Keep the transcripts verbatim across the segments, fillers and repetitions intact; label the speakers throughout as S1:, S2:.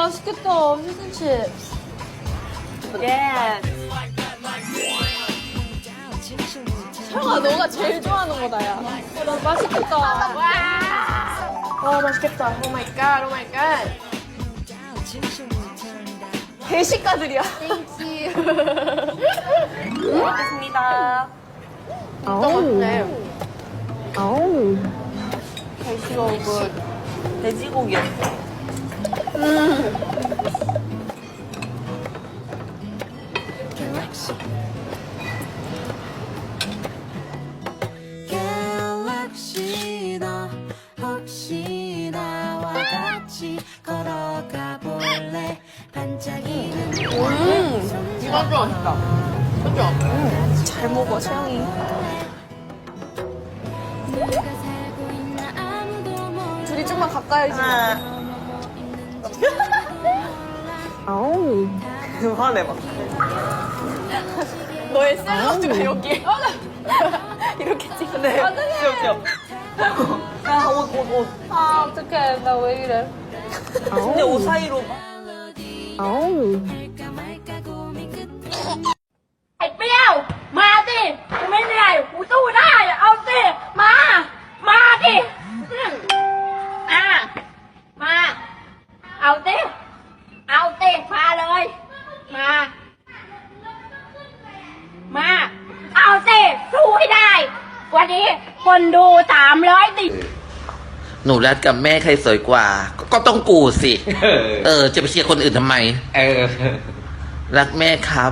S1: 맛있겠다. 피쉬앤칩.
S2: 예.
S1: 형아, 너가 제일 좋아하는 거다, 야. 어, 나 맛있겠다. 와. 와, 맛있겠다. 오 마이 갓, 오 마이 갓. 대식가들이야. 땡큐.
S2: 먹겠습니다.
S1: 어때?
S2: 아우.
S1: 대시가 굿.
S2: 돼지고기였어.
S1: 음.
S3: 갤럭시도 혹시 나와 같이 걸어가 볼래 반짝이는
S1: 음. 이거 아주 맛있다. 그죠? 음. 잘 먹어, 채영이.
S3: 누가 살고 있나 아무도 몰라
S1: 둘이 좀만 가까이 지금.
S2: 아우. 화내 막.
S1: 너의 샐러드가 여기. 이렇게 찍네. 어떡해.
S2: 귀여워, 귀여워. 야, 옷, 옷, 옷.
S1: 아, 어떡해. 나 왜 이래.
S2: 근데 옷 사이로. 아우.
S3: 할까 말까 고민 끝에
S4: ไอ้เปรี้ยวมาสิกูไม่เหนื่อยกูสู้ได้เอาสิมามาดิอืมอ่ะมาเอาสิเอาสิมาเลยมามาเอาสิสู้ให้ได้วันนี้คนดูสามร้อยติด
S5: หนูรัดกับแม่ใครสวยกว่า ก็ก็ต้องกูสิ เออ จะไปเชียร์คนอื่นทำไม
S6: เออ
S5: รักแม่ครับ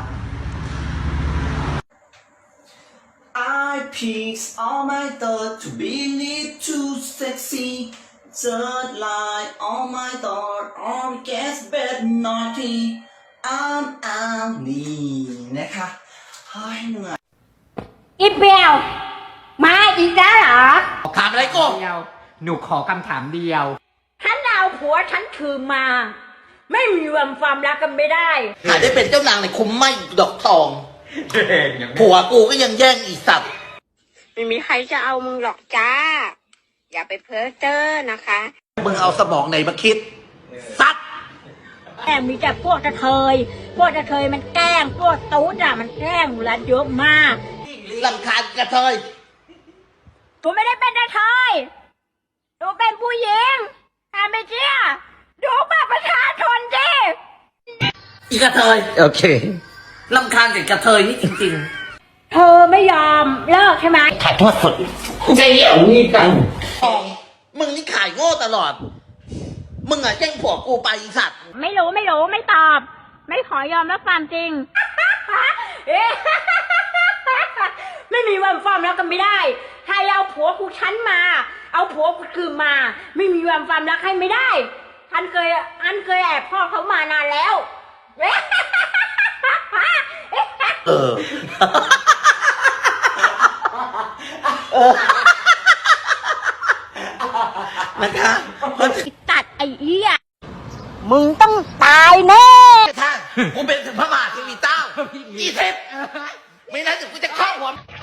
S6: I picked all my thought to be little too sexy Third line all my thought all gets bad naughty I'm out นี่นะคะเฮ้ยเหนื่อย
S4: อีเปรี้ยวมาอีกแล้วเหรอ
S5: ถามอะไรกู
S7: เดียวหนูขอคำถามเดียว
S4: ฉันเอาผัวฉันคืนมา ไม่มีวันความรักกันไม่ได้
S5: หาได้เป็นเจ้านางในคุ้มไม่ดอกทอง ผัวกูก็ยังแย่งอีสัตว์
S4: ไม่มีใครจะเอามึงหรอกจ้า อย่าไปเพ้อเจ้อนะคะ
S5: มึงเอาสมองไหนมาคิด สัตว์
S4: แอบมีแต่พวกกระเทย พวกกระเทยมันแกล้ง พวกตูดอะมันแกล้งหนูรัดเยอะมาก
S5: ลำคาญกระเทย
S4: หนูไม่ได้เป็นกระเทยหนูเป็นผู้หญิงถ้าไม่เชื่อดูบัตรประชาชนดิ
S5: อีกระเทย
S6: โอเค
S5: ลำคาญกับกระเทยนี่จริง
S4: เธอไม่ยอมเลิกใช่ไหม
S5: ๆถ่ายทอดสดจะเหี่ยวนี่กันมึงนี่ขายโง่ตลอด มึงอะแย่งผัวกูไปอีสัตว์
S4: ไม่รู้ไม่รู้ไม่ตอบ ไม่ขอยอมรับความจริง ไม่มีวันความรักกันไม่ได้ใครเอาผัวกูฉันมา เอาผัวกูคืนมา ไม่มีวันความรักให้ไม่ได้อันเคยอันเคยแอบพ่อเขามานานแล้ว
S5: เออ นะคะ
S4: ตัดไอ้เหี้ยมึงต้องตายแน่
S5: ท่านกูเป็นถึงพระมหาเทวีเจ้ายี่สิบไม่นั้นเดี๋ยวกูจะครอบหัว